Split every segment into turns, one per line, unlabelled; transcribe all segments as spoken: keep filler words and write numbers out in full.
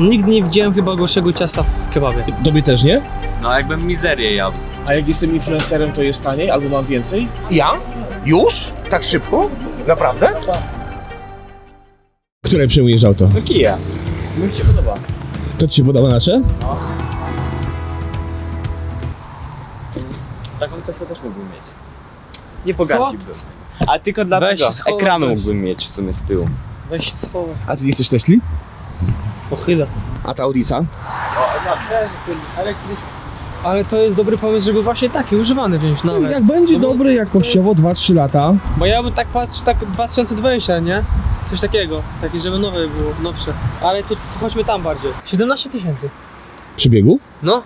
Nigdy nie widziałem chyba gorszego ciasta w kebabie.
Tobie też nie?
No jakbym mizerię jadł.
A jak jestem influencerem, to jest taniej albo mam więcej? Ja? Już? Tak szybko? Naprawdę?
Które przejmujesz auto?
No kija. Mi się podoba.
To ci się podoba nasze?
Taką Teslę też mógłbym mieć. Nie pogardziłbym. A tylko dla
Weź
tego
schowaj
ekranu
coś.
mógłbym mieć w sumie z tyłu.
Weź się schowaj.
A ty nie chcesz Tesli?
Pochyla.
A ta Audica?
Ale to jest dobry pomysł, żeby właśnie taki używany wziąć nawet.
Jak będzie
No bo
dobry jakościowo dwa trzy lata.
Bo ja bym tak patrzył, tak dwa tysiące dwudziesty, nie? Coś takiego, takie żeby nowe było, nowsze. Ale tu, tu chodźmy tam bardziej. siedemnaście tysięcy.
Przybiegu?
No.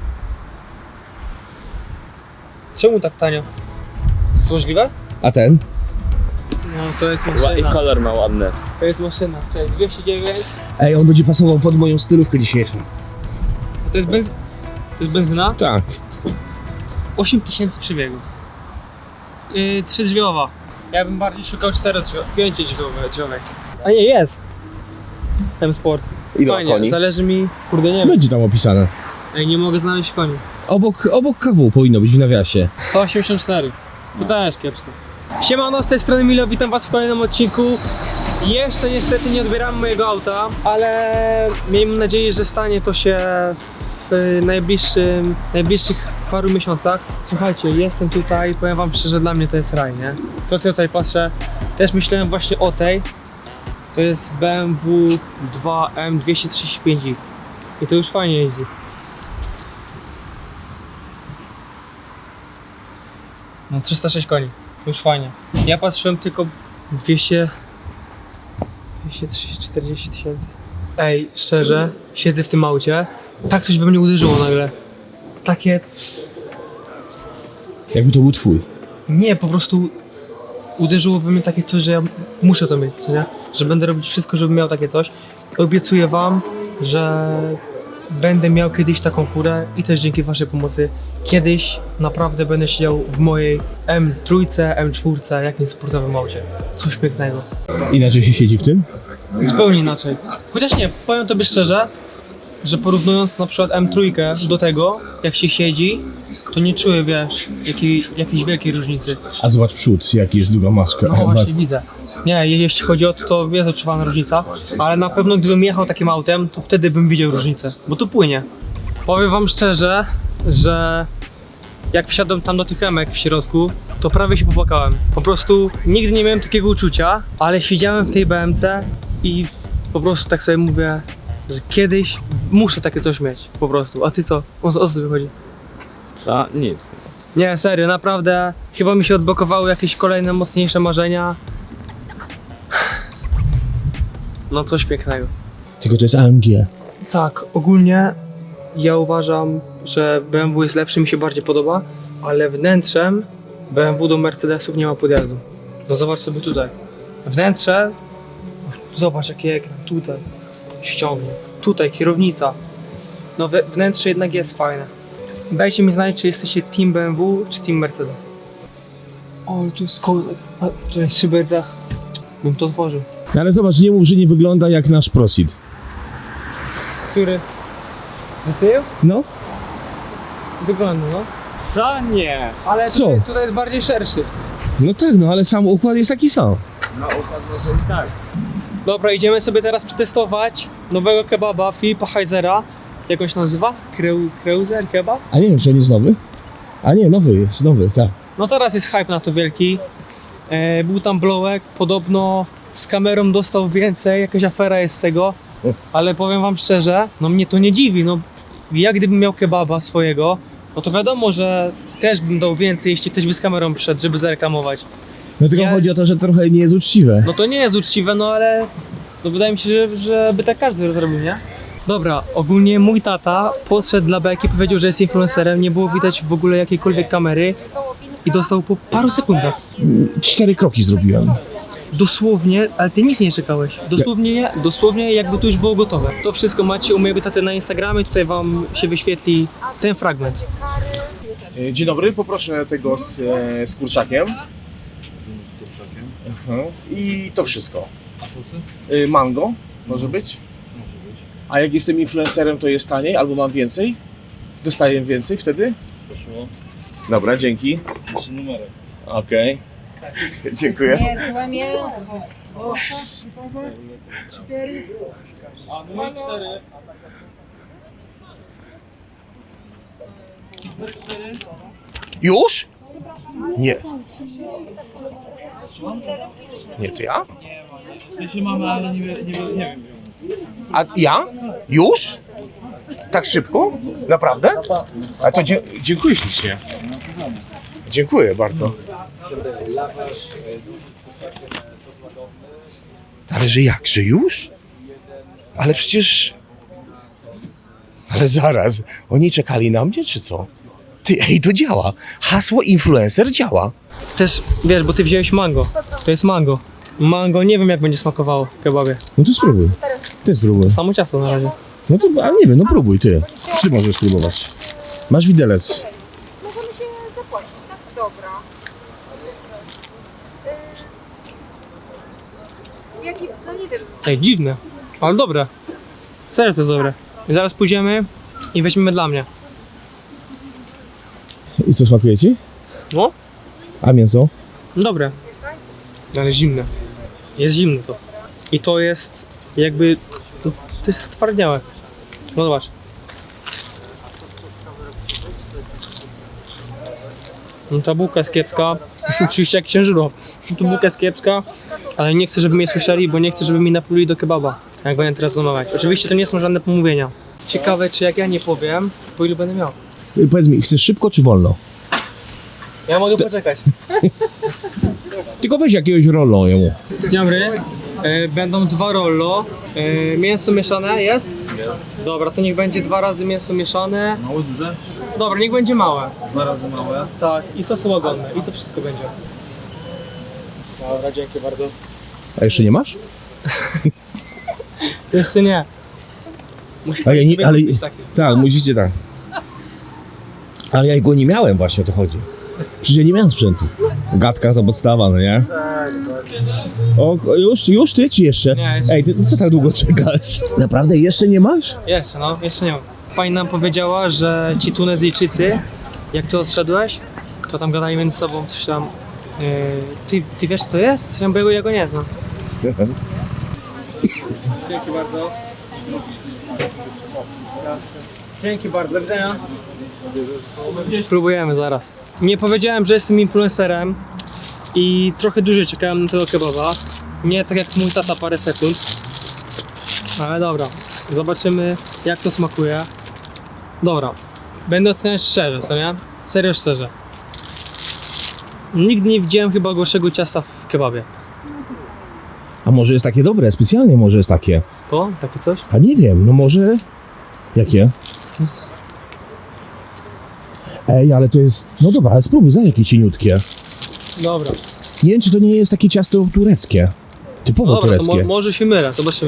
Czemu tak tanio? To jest możliwe?
A ten?
No to jest
I
maszyna.
kolor ma ładny.
To jest maszyna. Czekaj, dwieście dziewięć.
Ej, on będzie pasował pod moją stylówkę dzisiejszą.
To jest benz... To jest benzyna?
Tak.
osiem tysięcy przebiegu. Yy, trzydrzwiowa. Ja bym bardziej szukał czterodrzwiowej, pięciodrzwiowej. A nie, jest. M-Sport.
Ile
Fajnie,
koni?
zależy mi... Kurde, nie wiem.
Będzie tam opisane.
Ej, nie mogę znaleźć koni.
Obok, obok K W powinno być w nawiasie.
sto osiemdziesiąt cztery. To też kiepsko. Siemano, z tej strony Milo, witam was w kolejnym odcinku. Jeszcze niestety nie odbieram mojego auta, ale miejmy nadzieję, że stanie to się w najbliższym, najbliższych paru miesiącach. Słuchajcie, jestem tutaj, powiem wam szczerze, dla mnie to jest raj, nie? To co ja tutaj patrzę, też myślałem właśnie o tej. To jest B M W dwa M dwieście trzydzieści pięć i i to już fajnie jeździ. No trzysta sześć koni, to już fajnie. Ja patrzyłem tylko dwieście, dwieście trzydzieści, czterdzieści tysięcy. Ej, szczerze, siedzę w tym aucie, tak coś we mnie uderzyło nagle. Takie,
Jakby to był twój.
nie, po prostu uderzyło we mnie takie coś, że ja muszę to mieć, co nie? Że będę robić wszystko, żebym miał takie coś. Obiecuję wam, że będę miał kiedyś taką furę i też dzięki waszej pomocy kiedyś naprawdę będę siedział w mojej M trzy, M cztery, jakimś sportowym aucie. Coś pięknego.
Inaczej się siedzi w tym?
Zupełnie inaczej. Chociaż nie, powiem tobie szczerze, że porównując na przykład M trzy do tego, jak się siedzi, to nie czuję, wiesz, jakiej, jakiejś wielkiej różnicy.
A zobacz przód, jaki jest długa maska.
No właśnie, widzę. Nie, jeśli chodzi o to, to jest odczuwana różnica, ale na pewno gdybym jechał takim autem, to wtedy bym widział różnicę, bo tu płynie. Powiem wam szczerze, że jak wsiadłem tam do tych emek w środku, to prawie się popłakałem. Po prostu nigdy nie miałem takiego uczucia, ale siedziałem w tej B M C i po prostu tak sobie mówię, że kiedyś muszę takie coś mieć, po prostu. A ty co? O, o co tobie chodzi?
A nic.
Nie, serio, naprawdę chyba mi się odblokowały jakieś kolejne mocniejsze marzenia. No coś pięknego.
Tylko to jest A M G.
Tak, ogólnie ja uważam, że B M W jest lepszy, mi się bardziej podoba, ale wnętrzem B M W do Mercedesów nie ma podjazdu. No zobacz sobie tutaj. Wnętrze, zobacz jaki ekran, tutaj ściągnie, tutaj kierownica. No we, wnętrze jednak jest fajne. Dajcie mi znać, czy jesteście team B M W, czy team Mercedes. O, tu jest kozak. A, czekaj, szyberdach. Bym to otworzył.
No ale zobacz, nie mów, że nie wygląda jak nasz Proceed.
Który? Że tył?
No?
Wygląda, no.
Co? Nie.
Ale
Co?
tutaj, tutaj jest bardziej szerszy.
No tak, no ale sam układ jest taki sam.
No układ może i tak.
Dobra, idziemy sobie teraz przetestować nowego kebaba Filipa Heizera. Jak on się nazywa? Kreu, Kreuzer kebab?
A nie wiem, czy on jest nowy? A nie, nowy jest, nowy, tak.
No teraz jest hype na to wielki. E, był tam Blowek, podobno z kamerą dostał więcej, jakaś afera jest z tego. Ale powiem wam szczerze, no mnie to nie dziwi, no ja gdybym miał kebaba swojego, no to wiadomo, że też bym dał więcej, jeśli ktoś by z kamerą przyszedł, żeby zareklamować.
No tylko
Ja-
chodzi o to, że trochę nie jest uczciwe.
No to nie jest uczciwe, no ale no wydaje mi się, że, że by tak każdy zrobił, nie? Dobra, ogólnie mój tata podszedł dla beki, powiedział, że jest influencerem, nie było widać w ogóle jakiejkolwiek kamery i dostał po paru sekundach.
Cztery kroki zrobiłem.
Dosłownie, ale ty nic nie czekałeś. Dosłownie, dosłownie jakby to już było gotowe. To wszystko macie u mojego taty na Instagramie, tutaj wam się wyświetli ten fragment.
E, Dzień dobry, poproszę tego z, e, z kurczakiem. Mhm. I to wszystko.
A sosy?
E, Mango może być?
Może być.
A jak jestem influencerem, to jest taniej albo mam więcej? Dostaję więcej wtedy?
Poszło.
Dobra, dzięki.
Jeszcze numerek.
Okej. Dziękuję.
Nie, złe mięso.
Już? Nie. Nie, to ja?
W sensie mamy, ale nie, nie, nie wiem.
A ja? Już? Tak szybko? Naprawdę? A to dzie- dziękuję ślicznie. Dziękuję bardzo. Ale że jak, że już? Ale przecież... Ale zaraz, oni czekali na mnie, czy co? Ty, ej, to działa. Hasło influencer działa.
Też, wiesz, bo ty wziąłeś mango. To jest mango. Mango nie wiem jak będzie smakowało w kebabie.
No to spróbuj. Ty spróbuj.
Samo ciasto na razie.
No to, ale nie wiem, no próbuj ty. Ty możesz spróbować. Masz widelec.
Możemy się zapłacić, tak? Dobra. Yy, jaki, no nie wiem.
Ej, dziwne, ale dobre. Serio to jest dobre. I zaraz pójdziemy i weźmiemy dla mnie.
I co, smakuje ci?
No,
A mięso?
dobre. Ale zimne. Jest zimne to. I to jest jakby... To, to jest stwardniałe. No zobacz. No ta bułka jest kiepska. Oczywiście jak księżyro. Tu bułka jest kiepska, ale nie chcę, żeby mnie słyszeli, bo nie chcę, żeby mi napluli do kebaba. Jak będę teraz zamawiać. Oczywiście to nie są żadne pomówienia. Ciekawe, czy jak ja nie powiem, po ilu będę miał.
Y, Powiedz mi, chcesz szybko czy wolno?
Ja mogę poczekać.
Tylko weź jakiegoś rollo jemu.
Dzień dobry. E, będą dwa rollo. E, mięso mieszane jest? Jest. Dobra, to niech będzie dwa razy mięso mieszane.
Małe, duże?
Dobra, niech będzie małe.
Dwa razy małe.
Tak, i sosy łagodne. I to wszystko będzie. Dobra, dzięki bardzo.
A jeszcze nie masz?
Jeszcze nie. Musi
A ja
pani
nie,
sobie
ale...
kupić taki.
Tak, musicie tak. Ale ja go nie miałem właśnie, o to chodzi. Przecież ja nie miałem sprzętu. Gadka to podstawa, no nie? O, już, już ty czy jeszcze?
Nie, jeszcze.
Ej, ty co tak długo czekasz? Naprawdę jeszcze nie masz?
Jeszcze, no, jeszcze nie mam. Pani nam powiedziała, że ci Tunezyjczycy, jak ty odszedłeś, to tam gadali między sobą coś tam. Yy, ty, ty wiesz co jest? Ja go, ja go nie znam. Dzięki bardzo. Dzięki bardzo, do widzenia. Spróbujemy zaraz. Nie powiedziałem, że jestem influencerem i trochę dłużej czekałem na tego kebaba. Nie tak jak mój tata parę sekund. Ale dobra, zobaczymy jak to smakuje. Dobra, będę oceniać szczerze, co nie? Serio szczerze. Nigdy nie widziałem chyba gorszego ciasta w kebabie.
A może jest takie dobre? Specjalnie może jest takie.
To? Takie coś?
A nie wiem, no może... Jakie? Ej, ale to jest... No dobra, ale spróbuj, za jakie cieniutkie.
Dobra.
Nie wiem, czy to nie jest takie ciasto tureckie. Typowo
No dobra, to
tureckie.
mo może się mylę, zobaczymy.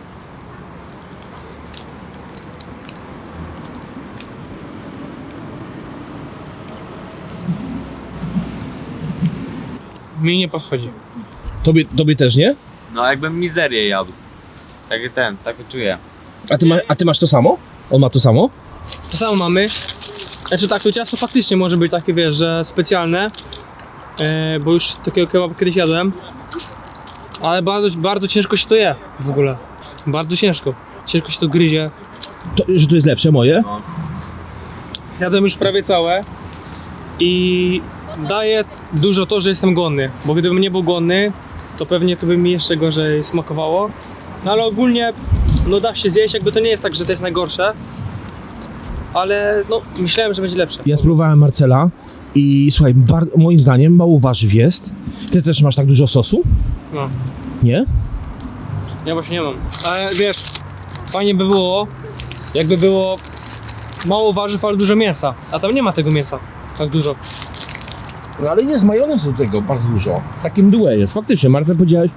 Mi nie podchodzi.
Tobie, tobie też nie?
No jakbym mizerię jadł. Tak ten, tak czuję.
A ty, ma, a ty masz to samo? On ma to samo?
To samo mamy. Znaczy tak, to ciasto faktycznie może być takie, wiesz, że specjalne. E, bo już takiego kebaba kiedyś jadłem. Ale bardzo, bardzo ciężko się to je w ogóle. Bardzo ciężko. Ciężko się to gryzie.
To, że to jest lepsze moje?
No.
Zjadłem już prawie całe. I daje dużo to, że jestem głodny. Bo gdybym nie był głodny, to pewnie to by mi jeszcze gorzej smakowało. No ale ogólnie, no da się zjeść, jakby to nie jest tak, że to jest najgorsze. Ale no, myślałem, że będzie lepsze.
Ja spróbowałem Marcela i słuchaj, bar- moim zdaniem mało warzyw jest. Ty też masz tak dużo sosu?
No,
Nie?
ja właśnie nie mam. Ale wiesz, fajnie by było, jakby było mało warzyw, ale dużo mięsa. A tam nie ma tego mięsa tak dużo.
No ale jest majonezu do tego bardzo dużo. Takim duet jest, faktycznie. Marta powiedziałeś...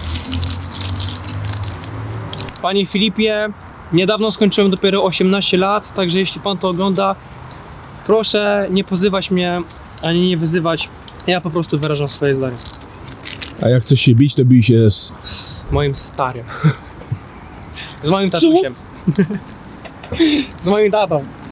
Panie Filipie, niedawno skończyłem dopiero osiemnaście lat, także jeśli pan to ogląda, proszę nie pozywać mnie, ani nie wyzywać. Ja po prostu wyrażam swoje zdanie.
A jak chcesz się bić, to bij się z...
Z moim starym. Z moim tatusiem. Z moim tatą.